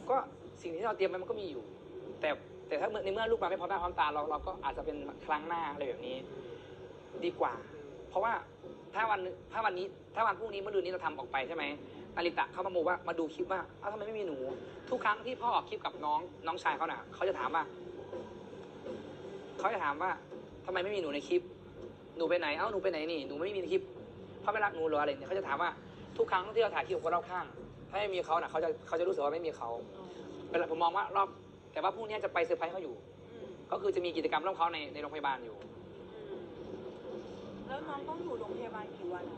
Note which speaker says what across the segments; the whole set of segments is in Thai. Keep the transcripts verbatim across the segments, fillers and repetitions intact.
Speaker 1: ก็สิ่งที่เราเตรียมไว้มันก็มีอยู่ แต่แต่ถ้าในเมื่อลูกมาไม่พร้อมหน้าพร้อมตาเราเราก็อาจจะเป็นครั้งหน้าอะไรแบบนี้ดีกว่า เพราะว่าถ้าวันถ้าวันนี้ถ้าวันพรุ่งนี้เมื่อดืนนี้เราทำออกไปใช่ไหมนาริตะเขามาโมว่ามาดูคลิปว่าเอ้าทำไมไม่มีหนูทุกครั้งที่พ่อออกคลิปกับน้องน้องชายเขาน่ะเขาจะถามว่าเขาจะถามว่าทำไมไม่มีหนูในคลิปหนูไปไหนเอ้าหนูไปไหนนี่หนูไม่มีในคลิปพ่อไม่รักหนูหรออะไรเนี่ยเขาจะถามว่าทุกครั้งที่เราถ่ายคลิปกับคนรอบข้างถ้าไม่มีเขาน่ะเขาจะเขาจะรู้สึกว่าไม่มีเขาเวลาผมมองว่ารอบแต่ว่าพรุ่งนี้จะไปเซอร์ไพรส์เขาอยู่ก็คือจะมีกิจกรรมร่วมเขาในในโรงพยาบาลอยู่
Speaker 2: แล้วน้องต้องอยู่โรงพยาบาลกี่วันอะ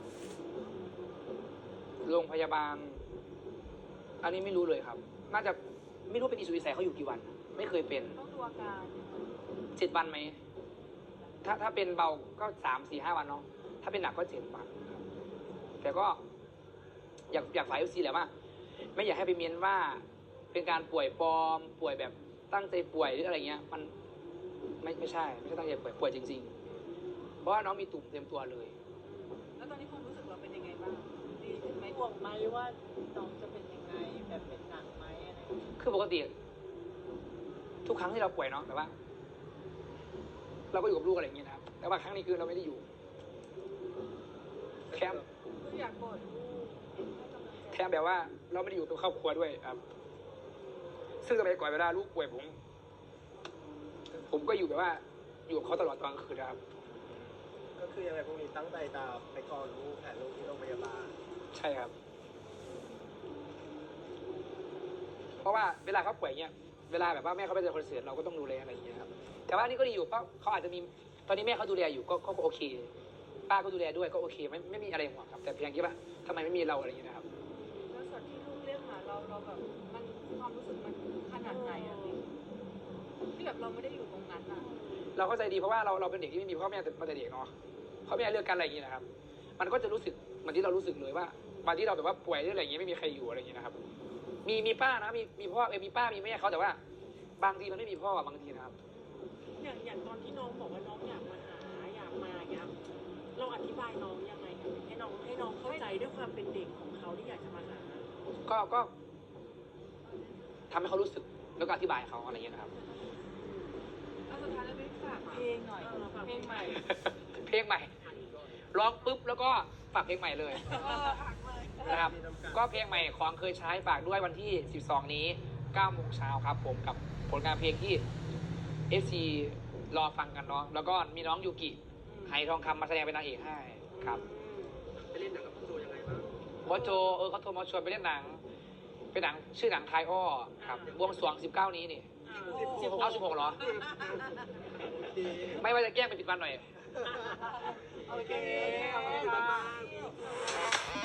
Speaker 1: โรงพยาบาลอันนี้ไม่รู้เลยครับ น่าจะไม่รู้เป็นอิสุอิสัยเขาอยู่กี่วัน ไม่เคยเป็น
Speaker 2: ต้องดูอาการ
Speaker 1: เจ็ดวันไหมถ้าถ้าเป็นเบาก็สามสี่ห้าวันเนาะถ้าเป็นหนักก็เจ็ดวันครับแต่ก็ อยากอยากฝ่ายยูซีแหละว่าไม่อยากให้ไปเมียนว่า เป็นการป่วยปลอมป่วยแบบตั้งใจป่วยหรืออะไรเงี้ย มันไม่ไม่ใช่ไม่ใช่ตั้งใจป่วยป่วยจริงๆเพราะว่าน้องมีตุ่มเต็มตัวเลย
Speaker 2: แล้วตอนนี้ความรู้สึกเราเป็นยังไงบ้างดีขึ้นไหม
Speaker 3: ห่วงไหมว่าน้องจะเป็นยังไงแบบเป็นหนักไหมอะไร
Speaker 1: คือปกติทุกครั้งที่เราป่วยเนาะแบบว่า เราก็อยู่กับลูกอะไรอย่างเงี้ยนะครับแต่ว่าครั้งนี้คือเราไม่ได้อยู่แคมป์
Speaker 2: คืออยากกอดลูก
Speaker 1: แคมป์แบบว่า เราไม่ได้อยู่กับครอบครัวด้วยครับซึ่งสมัยก่อนเวลาลูกป่วยผม ผมก็อยู่แบบว่า อยู่กับเขาตลอดตอนกลางคืนนะครับ
Speaker 4: ก็คือยังไงพวกนี้ตั้งใจตามไปกอดลูกแผลลูกที่โรงพยาบาล
Speaker 1: ใช่ครับเพราะว่าเวลาเขาป่วยเงี้ยเวลาแบบว่าแม่เขาไปเจอคอนเสิร์ตเราก็ต้องดูแลอะไรอย่างเงี้ยครับแต่ว่านี่ก็ดีอยู่เพราะเขาอาจจะมีตอนนี้แม่เขาดูแลอยู่ก็ก็โอเคป้าก็ดูแลด้วยก็โอเคไม่ไม่มีอะไรห่วงครับแต่เพียงที่ว่าทำไมไม่มีเราอะไรอย่างเงี้ยนะครับ
Speaker 2: แล้วส่วนที่ลูกเรียกหาเราเราแบบมันความรู้สึกมันขนาดไหนอะพี่ที่แบบเราไม่ได้อยู่ตรงนั้นอะ
Speaker 1: เราเข้าใจดีเพราะว่าเราเราเป็นเด็กที่ไม่มีพ่อแม่มาแต่เด็กเนาะพ่อแม่เลือกกันอะไรอย่างเงี้ยนะครับมันก็จะรู้สึกเหมือนที่เรารู้สึกเลยว่าวันที่เราแบบว่าป่วยหรืออะไรอย่างเงี้ยไม่มีใครอยู่อะไรอย่างเงี้ยนะครับมีมีป้านะมีมีพ่อเออมีป้ามีแม่เขาแต่ว่าบางทีมันไม่มีพ่อบางทีนะครับ
Speaker 3: อย่างอย่างตอนที่น้องบอกว่าน้องอยากมาหาอยากมาอย่างเงี้ยเราอธิบายน้องยังไงให้น้องให้น้องเข้าใจด้วยความเป็นเด็กของเขาที่อยากจะมาหา
Speaker 1: ก็ก็ทำให้เขารู้สึกแล้วก็อธิบายเขาอะไรอย่างเงี้ยนะครับ
Speaker 2: เอาสุดท้ายแล้วพี่ฝากเพลงหน่อยเพลงใหม่
Speaker 1: เพลงใหม่ร้องปุ๊บแล้วก็ฝากเพลงใหม่เลยนะครับก็เพลงใหม่ของเคยใช้ฝากด้วยวันที่สิบสองนี้เก้าโมงเช้าครับผมกับผลงานเพลงที่ เอฟ ซี รอฟังกันเนาะแล้วก็มีน้องยูกิไหทองคำมาแสดงเป็นนางเอกให้ครับ
Speaker 4: ไปเล่นหนังกับพ่อโจยังไงบ้าง
Speaker 1: บอสโจเออเขาโทรมาชวนไปเล่นหนังเป็นหนังชื่อหนังไทยอ้อครับบวงสรวงสิบเก้านี้นี่เอาสิบหกเหรอไม่ว่าจะแกล้งไปปิดวันหน่อย
Speaker 2: โอเค